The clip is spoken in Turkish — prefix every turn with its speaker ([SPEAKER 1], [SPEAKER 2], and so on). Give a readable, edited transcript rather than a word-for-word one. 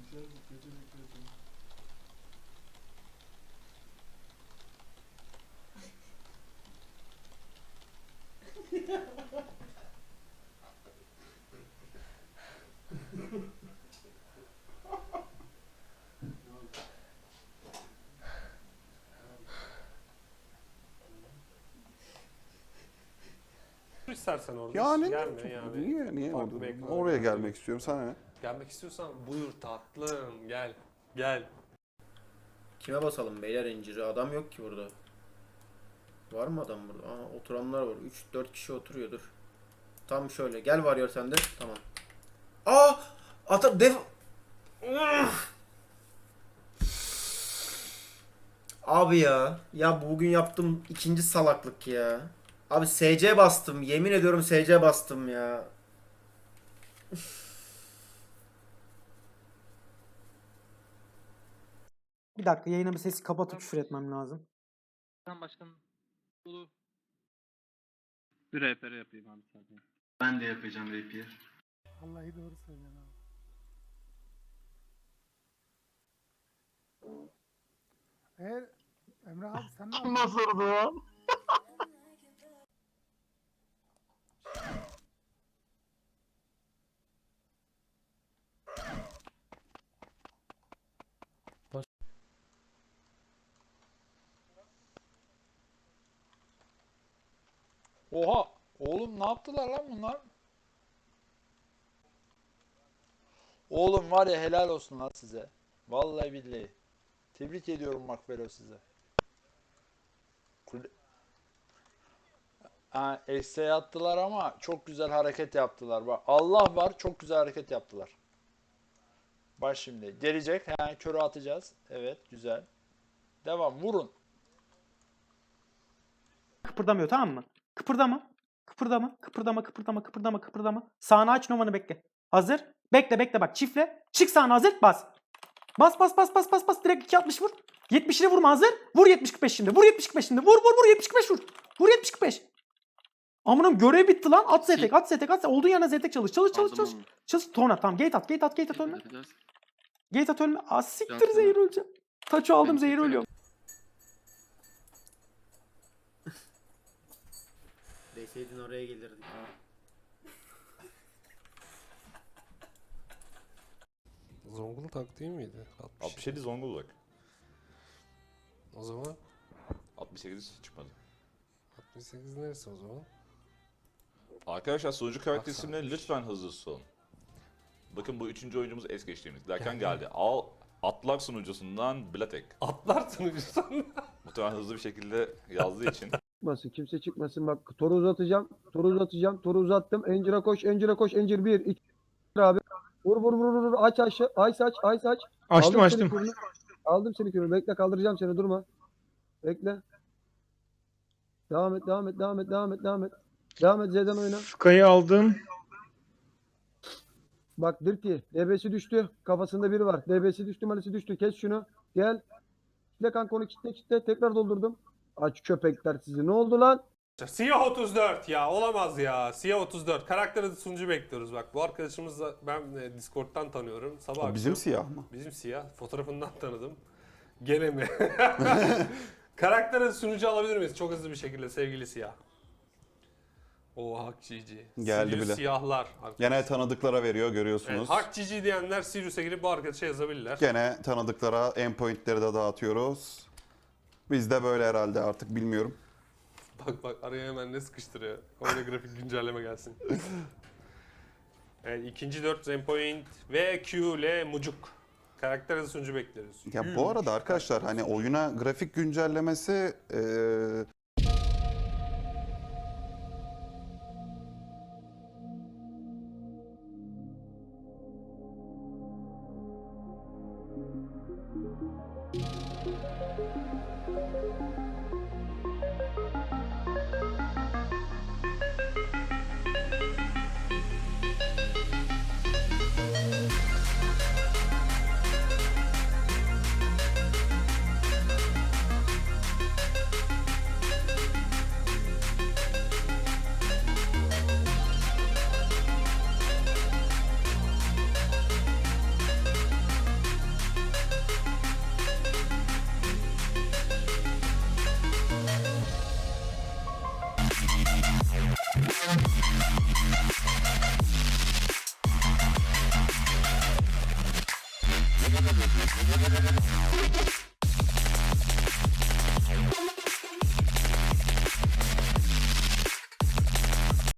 [SPEAKER 1] İstersen orada.
[SPEAKER 2] Yani
[SPEAKER 1] Gelme yani.
[SPEAKER 2] niye
[SPEAKER 1] Farklı
[SPEAKER 2] orada?
[SPEAKER 1] bir ekran
[SPEAKER 2] Oraya
[SPEAKER 1] olacak.
[SPEAKER 2] gelmek istiyorum. Sana ne?
[SPEAKER 1] Gelmek istiyorsan buyur tatlım gel. Gel.
[SPEAKER 3] Kime basalım beyler inciri? Adam yok ki burada. Var mı adam burada? Aa, oturanlar var. 3-4 kişi oturuyordur. Tam şöyle. Gel varıyor sende. Tamam. Aa! Ata def... Abi ya. Ya bugün yaptığım ikinci salaklık ya. Abi SC bastım. Yemin ediyorum SC bastım ya.
[SPEAKER 4] Bir dakika yayına bir sesi kapatıp küfür etmem lazım.
[SPEAKER 5] Tamam başkanım. Olur. Bir RPR yapayım abi zaten.
[SPEAKER 6] Ben de yapacağım rapier.
[SPEAKER 7] Vallahi doğru söylüyorsun abi. Eğer Emre abi sen ne yapıyorsun?
[SPEAKER 6] Nasıl oldu ya?
[SPEAKER 8] Oha! Oğlum ne yaptılar lan bunlar? Oğlum var ya helal olsun lan size. Vallahi billahi. Tebrik ediyorum Makbelo size. Eksiğe attılar ama çok güzel hareket yaptılar. Bak Allah var çok güzel hareket yaptılar. Bak şimdi gelecek. Körü atacağız. Evet güzel. Devam vurun.
[SPEAKER 4] Kıpırdamıyor tamam mı? Kıpırdama. Kıpırdama. Kıpırdama. Kıpırdama. Kıpırdama. Kıpırdama. Sağını aç Novan'ı bekle. Hazır. Bekle bekle bak çiftle. Çık sağına hazır. Bas. Bas bas bas bas bas bas. Direkt 260 vur. 70'ini vurma hazır. Vur 70-45 şimdi. Vur 70-45 şimdi. Vur vur vur 70-45 vur. Vur 70-45. Amınım görev bitti lan. At zetek at zetek at. Olduğun yerine zetek çalış. Çalış çalış çalış. Çalış. Tona tamam. Gate at. Gate at. Gate at ölme. Gate at ölme. Aa siktir zehir öleceğim. Taçı aldım zehir ölüyorum.
[SPEAKER 3] Deseydin oraya gelirdik.
[SPEAKER 1] Zonguldak değil miydi?
[SPEAKER 9] 67 Zonguldak.
[SPEAKER 1] O zaman
[SPEAKER 9] 68 çıkmadı.
[SPEAKER 1] 68 neresi o zaman?
[SPEAKER 9] Arkadaşlar sunucu karakter
[SPEAKER 1] Bak
[SPEAKER 9] isimleri lütfen hızlı son. Bakın bu üçüncü oyuncumuz es geçtiğimiz. Derken
[SPEAKER 1] Gel.
[SPEAKER 9] geldi. Atlar sunucusundan Blatek.
[SPEAKER 1] Atlar sunucusun.
[SPEAKER 9] Muhtemelen hızlı bir şekilde yazdığı için.
[SPEAKER 7] Çıkmasın, kimse çıkmasın. Bak toru uzatacağım. Toru uzatacağım. Toru uzattım. Encir'e koş. Encir'e koş. Encir 1 2 abi. Vur vur vur vur. Aç aç. Aç aç. Aç aç.
[SPEAKER 6] Açtım
[SPEAKER 7] Aldım
[SPEAKER 6] açtım.
[SPEAKER 7] seni kürünü. Aldım seni kürünü. Bekle kaldıracağım seni. Durma. Bekle. Devam et. Devam et. Devam et. Devam et. Devam et. Devam et. Z'den oyna.
[SPEAKER 6] Fuka'yı aldım.
[SPEAKER 7] Bak Dirty. DB'si düştü. Kafasında biri var. DB'si düştü. Malisi düştü. Kes şunu. Gel. Kitle kanka onu kitle kitle. Tekrar doldurdum. Aç köpekler sizi. Ne oldu lan?
[SPEAKER 1] Siyah 34 ya olamaz ya. Siyah 34. Karakter adı sunucu bekliyoruz bak. Bu arkadaşımızla ben Discord'dan tanıyorum. Sabah akşam.
[SPEAKER 2] Bizim siyah mı?
[SPEAKER 1] Bizim siyah. Fotoğrafından tanıdım. Gene mi? Karakter adı sunucu alabilir miyiz? Çok hızlı bir şekilde sevgili siyah. O Hak Cici.
[SPEAKER 2] Geldi
[SPEAKER 1] Sirius
[SPEAKER 2] bile.
[SPEAKER 1] Siyahlar.
[SPEAKER 2] Gene tanıdıklara veriyor görüyorsunuz.
[SPEAKER 1] Evet, Hak Cici diyenler Sirius'a girip bu arkadaşa yazabilirler.
[SPEAKER 2] Gene tanıdıklara endpointleri de dağıtıyoruz. Biz de böyle herhalde artık bilmiyorum.
[SPEAKER 1] Bak bak araya hemen ne sıkıştırıyor. Oyuna grafik güncelleme gelsin. Evet, ikinci 4 Zenpoint ve Q ile Mucuk. Karakter adı sunucu bekliyoruz.
[SPEAKER 2] Ya bu arada arkadaşlar hani oyuna grafik güncellemesi